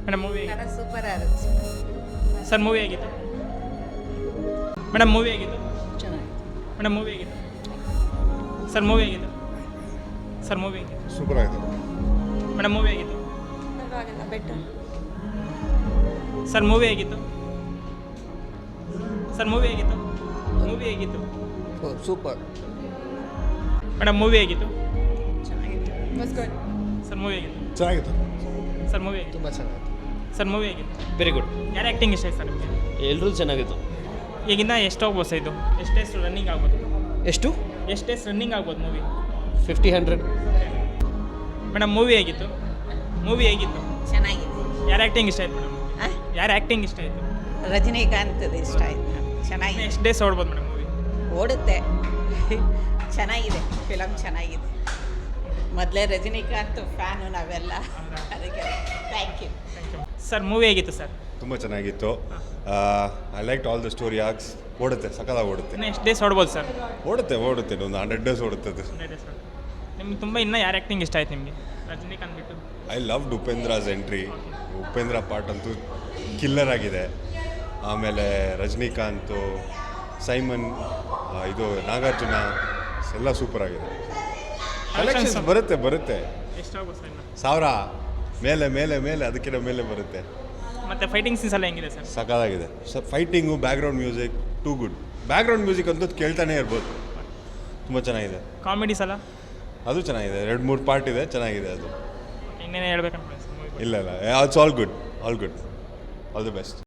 Madam movie super ಆಗುತ್ತೆ sir movie ಆಗಿತ್ತು madam movie ಆಗಿತ್ತು ಚೆನ್ನಾಗಿ ಮೇಡಮ್ ಮೂವಿ ಆಗಿತ್ತು ಸರ್ ಮೂವಿ ಆಗಿತ್ತು ಸರ್ ಮೂವಿ ಆಗಿತ್ತು ಸೂಪರ್ ಆಯಿತು ಮೇಡಮ್ ಮೂವಿ ಆಗಿತ್ತು ಪರವಾಗಿಲ್ಲ ಬೆಟರ್ ಸರ್ ಮೂವಿ ಆಗಿತ್ತು ಸರ್ ಮೂವಿ ಆಗಿತ್ತು ಮೂವಿ ಆಗಿತ್ತು ಸೂಪರ್ ಮೇಡಮ್ ಮೂವಿ ಆಗಿತ್ತು ಚೆನ್ನಾಗಿತ್ತು ಮಸ್ತ್ ಗುಡ್ ಸರ್ ಮೂವಿ ಆಗಿತ್ತು ಚೆನ್ನಾಗಿತ್ತು ಸರ್ ಮೂವಿ ಆಗಿತ್ತು ತುಂಬ ಚೆನ್ನಾಗಿತ್ತು. ಸರ್ ಮೂವಿ ಆಗಿತ್ತು ವೆರಿ ಗುಡ್. ಯಾರು ಆ್ಯಕ್ಟಿಂಗ್ ಇಷ್ಟ ಆಯ್ತು ಸರ್ ನಿಮಗೆ ಎಲ್ಲರೂ ಚೆನ್ನಾಗಿತ್ತು. ಈಗಿನ್ನ ಎಷ್ಟು ಹೋಗ್ಬೋದು ಸರ್ ಇದು ಎಷ್ಟೆಷ್ಟು ರನ್ನಿಂಗ್ ಆಗ್ಬೋದು ಎಷ್ಟು ಎಷ್ಟೆಷ್ಟು ರನ್ನಿಂಗ್ ಆಗ್ಬೋದು ಮೂವಿ 50-100. ಮೇಡಮ್ ಮೂವಿ ಆಗಿತ್ತು ಮೂವಿ ಹೇಗಿತ್ತು ಚೆನ್ನಾಗಿದೆ ಯಾರು ಆ್ಯಕ್ಟಿಂಗ್ ಇಷ್ಟ ಆಯ್ತು ಮೇಡಮ್ ಯಾರು ಆ್ಯಕ್ಟಿಂಗ್ ಇಷ್ಟ ಆಯಿತು ರಜನಿಕಾಂತ್ ಇಷ್ಟ ಆಯ್ತು ಚೆನ್ನಾಗಿದೆ ಎಷ್ಟು ಡೇಸ್ ಓಡ್ಬೋದು ಮೇಡಮ್ ಮೂವಿ ಓಡುತ್ತೆ ಚೆನ್ನಾಗಿದೆ ಫಿಲಮ್ ಚೆನ್ನಾಗಿದೆ ಮೊದಲೇ ರಜನಿಕಾಂತ್ ಫ್ಯಾನು ನಾವೆಲ್ಲ ಅದಕ್ಕೆ ಥ್ಯಾಂಕ್ ಯು ಸರ್ ಮೂವಿ ಹೇಗಿತ್ತು ಸರ್ ತುಂಬ ಚೆನ್ನಾಗಿತ್ತು. I like all the story arcs. ಓಡುತ್ತೆ, ಸಕಲಾಗಿ ಓಡುತ್ತೆ. ಇನ್ನು ಎಷ್ಟು ಡೇಸ್ ಓಡ್ಬೋದು ಸರ್ ಓಡುತ್ತೆ ಒಂದು 100 ಡೇಸ್ ಓಡುತ್ತೆ ಅದು. ನಿಮ್ಗೆ ತುಂಬ ಇನ್ನೂ ಯಾರು ಆ್ಯಕ್ಟಿಂಗ್ ಇಷ್ಟ ಆಯ್ತು ನಿಮಗೆ ರಜನಿಕಾಂತ್ ಬಿಟ್ಟು I love Upendra's entry. Upendra part ಅಂತೂ ಕಿಲ್ಲರ್ ಆಗಿದೆ. ಆಮೇಲೆ ರಜನಿಕಾಂತು, ಸೈಮನ್, ಇದು ನಾಗಾರ್ಜುನ ಎಲ್ಲ ಸೂಪರ್ ಆಗಿದೆ. ಕಲೆಕ್ಷನ್ಸ್ ಬರುತ್ತೆ ಎಷ್ಟು ಆಗ್ಬೋದು ಸರ್ ಇನ್ನು 1000 ಮೇಲೆ ಮೇಲೆ ಮೇಲೆ ಅದಕ್ಕಿಂತ ಮೇಲೆ ಬರುತ್ತೆ. ಮತ್ತು ಫೈಟಿಂಗ್ ಸೀನ್ಸ್ ಎಲ್ಲ ಹೆಂಗಿದೆ ಸರ್ ಸಕಾಲಾಗಿದೆ. Fighting, background music too good. Background music ಅಂತೂ ಕೇಳ್ತಾನೆ ಇರ್ಬೋದು. ತುಂಬ ಚೆನ್ನಾಗಿದೆ. ಕಾಮಿಡೀಸ್ ಎಲ್ಲ ಅದು ಚೆನ್ನಾಗಿದೆ. 2-3 ಪಾರ್ಟ್ ಇದೆ, ಚೆನ್ನಾಗಿದೆ ಅದು. ಇನ್ನೇನು ಹೇಳ್ಬೇಕಂತ ಸರ್ ಮೂವಿ ಇಲ್ಲ it's all good all the best.